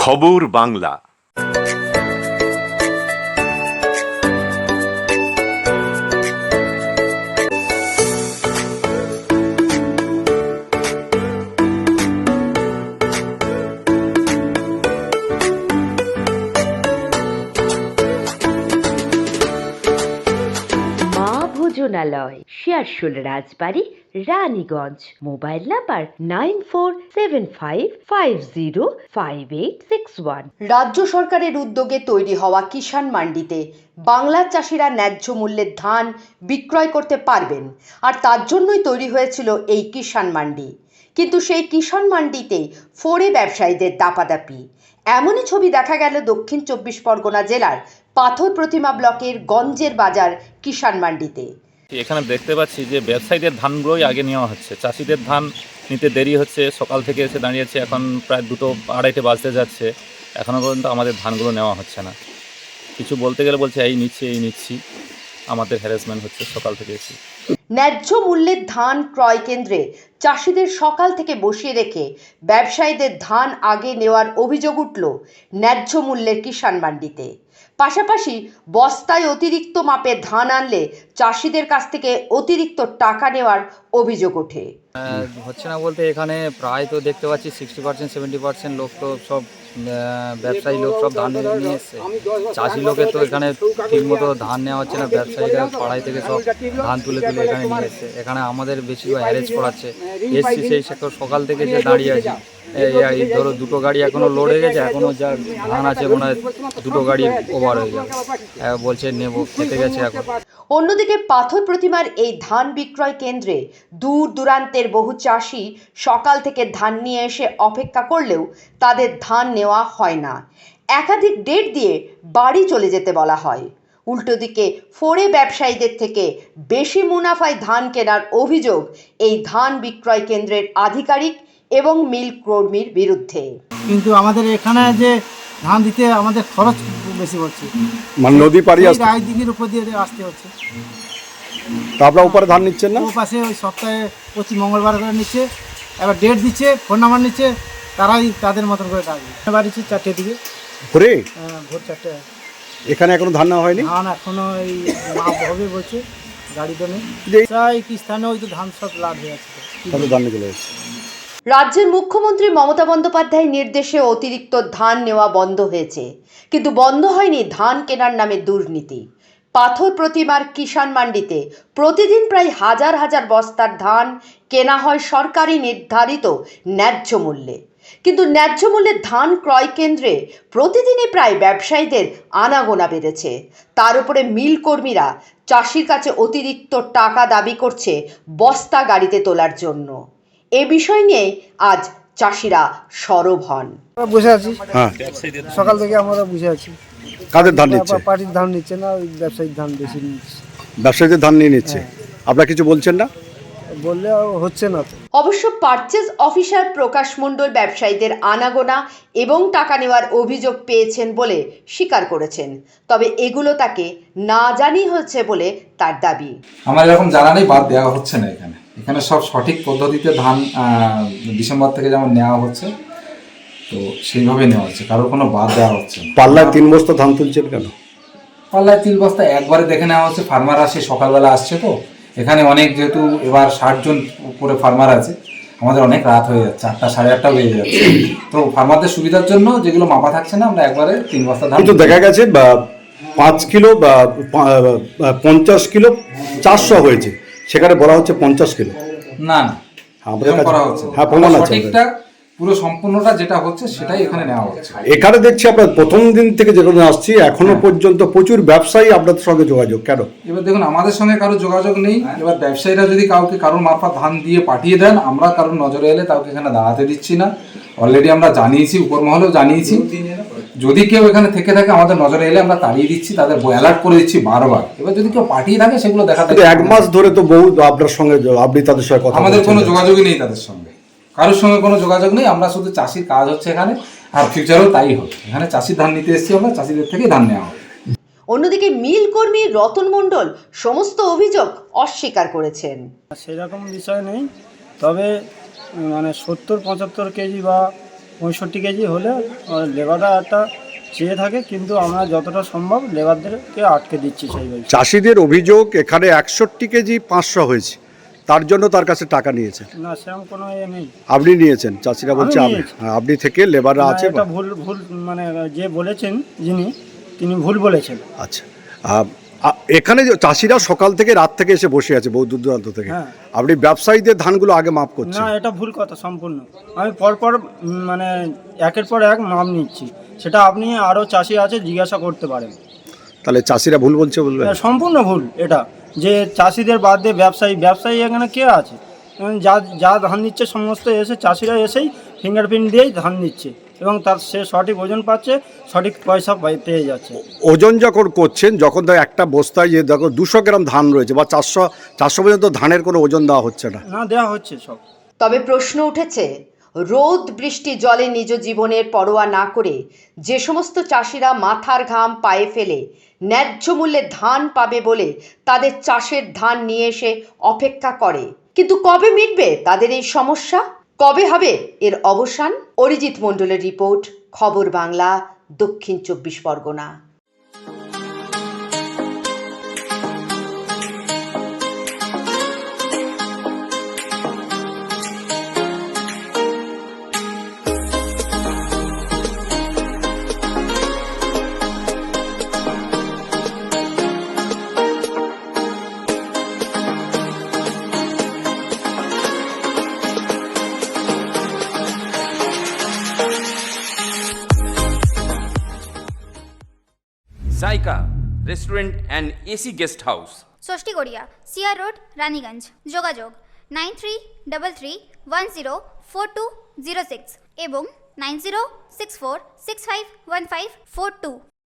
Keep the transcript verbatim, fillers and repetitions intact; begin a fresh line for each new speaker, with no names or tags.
খবর বাংলা।
ভোজনালয়, Searsole Rajbari, Raniganj. Mobile number nine four seven five five zero five eight six one.
রাজ্য সরকারের উদ্যোগে তৈরি হওয়া কিষাণ মান্ডিতে বাংলার চাষিরা ন্যায্য মূল্যের ধান বিক্রয় করতে পারবেন, আর তার জন্যই তৈরি হয়েছিল এই কিষাণ মান্ডি। কিন্তু সেই কিষাণ মান্ডিতেই ফোরে ব্যবসায়ীদের দাপাদাপি। এমনই ছবি দেখা গেল দক্ষিণ চব্বিশ পরগনা জেলার পাথর প্রতিমা ব্লকের গঞ্জের বাজার কিষাণ মান্ডিতে।
এখানে দেখতে পাচ্ছি যে ব্যবসায়ীদের ধানগুলোই আগে নেওয়া হচ্ছে, চাষিদের ধান নিতে দেরি হচ্ছে। সকাল থেকে এসে দাঁড়িয়েছে, এখন প্রায় দুটো আড়াইটে বাজতে যাচ্ছে, এখনও পর্যন্ত আমাদের ধানগুলো নেওয়া হচ্ছে না। কিছু বলতে গেলে বলছে এই নিচ্ছি এই নিচ্ছি, আমাদের হ্যারাসমেন্ট হচ্ছে সকাল থেকে এসে।
ন্যায্য মূল্যের ধান ক্রয় কেন্দ্রে চাষিদের সকাল থেকে বসিয়ে রেখে ব্যবসায়ীদের ধান আগে নেওয়ার অভিযোগ উঠল ন্যায্য মূল্যের কিষাণ মান্ডিতে। পাশাপাশি বস্তায় অতিরিক্ত মাপে ধান আনলে চাষিদের কাছ থেকে অতিরিক্ত টাকা নেওয়ার অভিযোগ ওঠে।
হচ্ছে না বলতে এখানে প্রায় তো দেখতে পাচ্ছি সিক্সটি পার্সেন্ট সেভেন্টি পার্সেন্ট লোক তো সব ব্যবসায়ী লোক সব ধান নিয়ে এসছে। চাষি লোকের তো এখানে ঠিক মতো ধান নেওয়া হচ্ছে না, ব্যবসায়ীরা পাড়াই থেকে সব ধান তুলে তুলে এখানে নিয়ে এসছে। এখানে আমাদের বেশিরভাগ হ্যারেজ করাচ্ছে। এসছি সেই সকাল থেকে যে দাঁড়িয়ে আছি, এই ধরো দুটো গাড়ি এখনো লোড হয়ে গেছে, এখনো যা ধান আছে মনে হয় দুটো গাড়ি ওভার হয়ে যাবে, বলছে নেবো, খেতে গেছে এখন।
অন্যদিকে পাথর প্রতিমার এই ধান বিক্রয় কেন্দ্রে দূর দূরান্তের বহু চাষি সকাল থেকে ধান নিয়ে এসে অপেক্ষা করলেও তাদের ধান নেওয়া হয় না। একাধিক ডেট দিয়ে বাড়ি চলে যেতে বলা হয়। উল্টো দিকে ফোরে ব্যবসায়ীদের থেকে বেশি মুনাফায় ধান কেনার অভিযোগ এই ধান বিক্রয় কেন্দ্রের আধিকারিক এবং মিল কর্মীর বিরুদ্ধে।
কিন্তু আমাদের এখানে যে ধান দিতে আমাদের খরচ বেশি হচ্ছে,
মানে নদী পাড়ি আসতে
রায়দিঘির উপর দিয়ে আসতে হচ্ছে।
তা আপনারা উপরে ধান নিচ্ছেন না?
ও পাশে ওই সপ্তাহে প্রতি মঙ্গলবার করে নিচ্ছে, এবার ডেট দিচ্ছে, ফোন নাম্বার নিচ্ছে, তারাই তাদের মতন করে ডাকবে। বাড়িছে চারটে দিকে
ভোরে,
ভোর চারটে।
এখানে এখনো ধান নেওয়া হয়নি?
ধান এখনো এই মাপ হবে বলছে, গাড়ি তো নেই। কি স্থানে ওই তো ধান সব লাভ হয়ে আছে,
তাহলে ধান চলে যাচ্ছে।
রাজ্যের মুখ্যমন্ত্রী মমতা বন্দ্যোপাধ্যায়ের নির্দেশে অতিরিক্ত ধান নেওয়া বন্ধ হয়েছে, কিন্তু বন্ধ হয়নি ধান কেনার নামে দুর্নীতি। পাথর প্রতিমার কিষাণ মান্ডিতে প্রতিদিন প্রায় হাজার হাজার বস্তার ধান কেনা হয় সরকারি নির্ধারিত ন্যায্য মূল্যে, কিন্তু ন্যায্য মূল্যের ধান ক্রয় কেন্দ্রে প্রতিদিনই প্রায় ব্যবসায়ীদের আনাগোনা বেড়েছে। তার উপরে মিল কর্মীরা চাষির কাছে অতিরিক্ত টাকা দাবি করছে বস্তা গাড়িতে তোলার জন্য। এ বিষয় নিয়ে আজ চাষিরা সরব হন।
বসে আছি,
হ্যাঁ,
সকাল থেকে আমরা বসে আছি।
কাদের ধান নিচ্ছে?
পার্টির ধান নিচ্ছে না, ওই ব্যবসায়িক ধান বেশি নিচ্ছে।
ব্যবসায়ীদের ধান নিয়ে নিচ্ছে, আপনারা কিছু বলছেন না?
বললে হচ্ছে না তো।
অবশ্য পারচেজ অফিসার প্রকাশ মণ্ডল ব্যবসায়ীদের আনাগোনা এবং টাকা নেওয়ার অভিযোগ পেয়েছেন বলে স্বীকার করেছেন, তবে এগুলো তাকে না জানিয়ে হচ্ছে বলে তার দাবি।
আমার এরকম জানা নেই, বাদ দেওয়া হচ্ছে না। এখানে এখানে সব সঠিক পদ্ধতিতে ধান ডিসেম্বর থেকে যেমন নেওয়া হচ্ছে, তো সেইভাবে নেওয়া হচ্ছে, কারোর কোনো বাদ দেওয়া হচ্ছে না।
পাল্লায় তিন বস্তা ধান তুলছেন কেন?
পাল্লায় তিন বস্তা একবারে দেখে নেওয়া হচ্ছে। ফার্মার আসে, সকালবেলা আসছে, তো এখানে অনেক, যেহেতু এবার ষাট জন উপরে ফার্মার আছে, আমাদের অনেক রাত হয়ে যাচ্ছে, আটটা সাড়ে আটটা বেজে যাচ্ছে। তো ফার্মারদের সুবিধার জন্য যেগুলো মাপা থাকছে না, আমরা একবারে তিন বস্তা ধান।
কিন্তু দেখা গেছে বা পাঁচ কিলো বা পঞ্চাশ কিলো চারশো হয়েছে, সেখানে বলা হচ্ছে পঞ্চাশ কিলো।
না না, এরকম করা হচ্ছে না।
হ্যাঁ, প্রমাণ আছে।
সঠিকটা পুরো সম্পূর্ণটা যেটা হচ্ছে সেটাই এখানে নেওয়া হচ্ছে।
এখানে দেখছি আপনার প্রথম দিন থেকে যেখানে আসছি এখনো পর্যন্ত প্রচুর ব্যবসায়ী আপনাদের সঙ্গে যোগাযোগ, কেন?
এবার দেখুন, আমাদের সঙ্গে কারো যোগাযোগ নেই। এবার ব্যবসায়ীরা যদি কাউকে কারোর মারফত ধান দিয়ে পাঠিয়ে দেন, আমরা কারোর নজরে এলে কাউকে এখানে দাঁড়াতে দিচ্ছি না। অলরেডি আমরা জানিয়েছি, উপর মহলেও জানিয়েছি। যদি কেউ এখানে থেকে থাকে, আমাদের নজরে এলে আমরা তাড়িয়ে দিচ্ছি, তাদের অ্যালার্ট করে দিচ্ছি বারবার। এবার যদি কেউ পাঠিয়ে থাকে, সেগুলো দেখাতে।
এক মাস ধরে তো বহু আপনার সঙ্গে, আপনি তাদের সঙ্গে কথা,
আমাদের কোনো যোগাযোগই নেই তাদের সঙ্গে, কারোর সঙ্গে কোনো যোগাযোগ নেই। আমরা শুধু চাষির কাজ হচ্ছে এখানে, আর ফিউচারেও তাই হবে। এখানে চাষির ধান নিতে এসেছি আমরা, চাষিদের থেকেই ধান নেওয়া হবে।
অন্যদিকে মিল কর্মী রতন মণ্ডল সমস্ত অভিযোগ অস্বীকার করেছেন।
সেরকম বিষয় নেই, তবে মানে সত্তর পঁচাত্তর কেজি বা পঁয়ষট্টি কেজি হলে লেবাররা একটা চেয়ে থাকে, কিন্তু আমরা যতটা সম্ভব লেবারদেরকে আটকে দিচ্ছি সেইভাবে।
চাষিদের অভিযোগ এখানে একষট্টি কেজি পাঁচশো হয়েছে, তার জন্য তার কাছে টাকা নিয়েছে।
না, সেরকম কোনো এ নেই।
আপনি নিয়েছেন? চাষিরা বলছে
আমি
আপনি
নিয়েছি।
হ্যাঁ, আপনি থেকে লেবাররা
না,
আছে।
এটা ভুল ভুল মানে যে বলেছেন যিনি, তিনি ভুল বলেছেন।
আচ্ছা, আহ, আ- এখানে যে চাষিরা সকাল থেকে রাত থেকে এসে বসে আছে বহু দূর দূরান্ত থেকে,
হ্যাঁ।
আপনি ব্যবসায়ীদের ধানগুলো আগে মাপ করছেন।
না, এটা ভুল কথা সম্পূর্ণ। আমি পরপর উম, মানে একের পর এক মাপ নিচ্ছি, সেটা আপনি আরও চাষি আছে জিজ্ঞাসা করতে পারেন।
তাহলে চাষিরা ভুল বলছে বলবেন?
এটা সম্পূর্ণ ভুল। এটা যে চাষিদের বাদ দিয়ে ব্যবসায়ী ব্যবসায়ী এখানে কে আছে? উম, যা যা ধান নিচ্ছে সমস্ত এসে চাষিরা এসেই ফিঙ্গারপ্রিন্ট দিয়েই ধান নিচ্ছে, এবং তার সে সঠিক ওজন পাচ্ছে, সঠিক পয়সা পাই- পেয়ে যাচ্ছে।
ওজন যখন করছেন, যখন দেখো একটা বস্তায় যে দেখো দুশো গ্রাম ধান রয়েছে বা চারশো চারশো পর্যন্ত ধানের কোনো ওজন দেওয়া হচ্ছে না।
না, দেওয়া হচ্ছে সব।
তবে প্রশ্ন উঠেছে, রোদ বৃষ্টি জলে নিজ জীবনের পরোয়া না করে যে সমস্ত চাষিরা মাথার ঘাম পায়ে ফেলে ন্যায্য মূল্যে ধান পাবে বলে তাদের চাষের ধান নিয়ে এসে অপেক্ষা করে, কিন্তু কবে মিটবে তাদের এই সমস্যা? কবে হবে এর অবসান? অরিজিৎ মণ্ডলের রিপোর্ট, খবর বাংলা, দক্ষিণ চব্বিশ Pargana.
Zaika restaurant and AC guest house,
Shashthigaria, CR road, Raniganj. যোগাযোগ nine three double three one zero four two zero six এবং nine zero six four six five one five four two.